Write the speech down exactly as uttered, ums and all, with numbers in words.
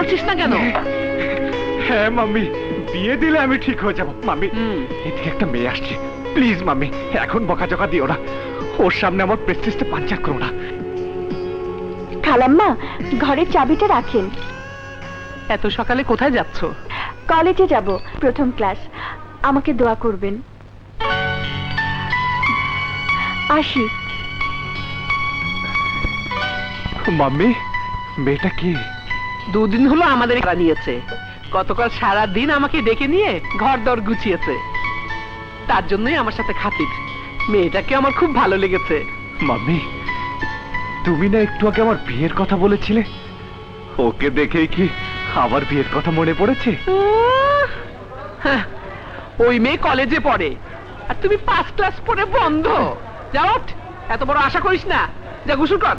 বলছিস না কেন? হ্যাঁ মাম্মি, বিয়ে দিলে আমি ঠিক হয়ে যাব। মাম্মি, এদিকে একটা মেয়ে আসছে, প্লিজ মাম্মি এখন বকাঝকা দিও না, ওর সামনে আমার প্রেস্টিজটা পাঞ্চার করো না। খালাম্মা, ঘরের চাবিটা রাখেন। এত সকালে কোথায় যাচ্ছ? কলেজে যাব, প্রথম ক্লাস। আমাকে দোয়া করবেন। আসি। মাম্মি, মেয়েটা কি? দুদিন হলো আমাদের নিয়েছে, গতকাল সারা দিন আমাকে ডেকে নিয়ে ঘর দর গুছিয়েছে, তার জন্যই আমার সাথে খাতির। মেয়েটাকে আমার খুব ভালো লেগেছে। মাম্মি, তুমি না একটু আগে আমার বিয়ের কথা বলেছিলে, ওকে দেখেই কি আবার বিয়ের কথা মনে পড়েছে? হ্যাঁ, ওই মেয়ে কলেজে পড়ে আর তুমি পাঁচ ক্লাস পড়ে বন্ধ। যাও, এত বড় আশা করিস না, যা গোসল কর।